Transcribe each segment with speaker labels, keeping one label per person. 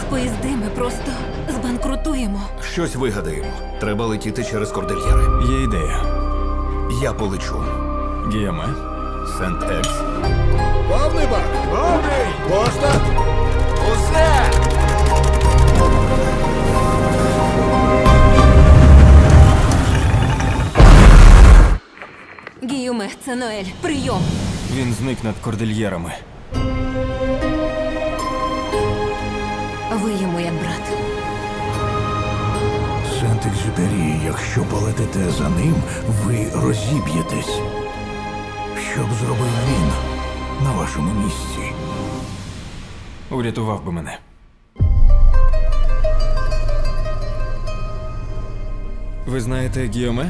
Speaker 1: поїзди, ми просто збанкрутуємо.
Speaker 2: Щось вигадаємо. Треба летіти через кордильєри.
Speaker 3: Є ідея.
Speaker 2: Я полечу.
Speaker 3: Гіаме.
Speaker 2: Сент-Екс.
Speaker 4: Повний бак! Повний! Пошта!
Speaker 2: Усе!
Speaker 1: Гіюме, це Ноель. Прийом.
Speaker 3: Він зник над кордильєрами.
Speaker 1: Ви йому як брат.
Speaker 4: Сент-Екзюпері, якщо полетите за ним, ви розіб'єтесь. Що б зробив він на вашому місці?
Speaker 3: Урятував би мене. Ви знаєте Гіоме?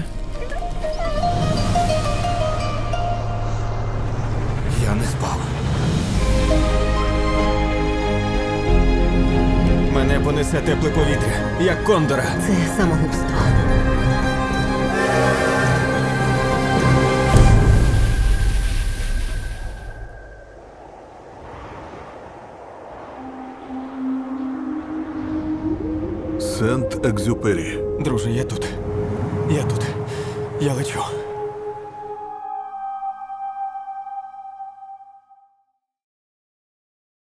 Speaker 2: Я не спав.
Speaker 3: Мене понесе тепле повітря, як кондора.
Speaker 1: Це самогубство.
Speaker 4: Сент-Екзюпері.
Speaker 3: Друже, я тут. Я тут. Я лечу.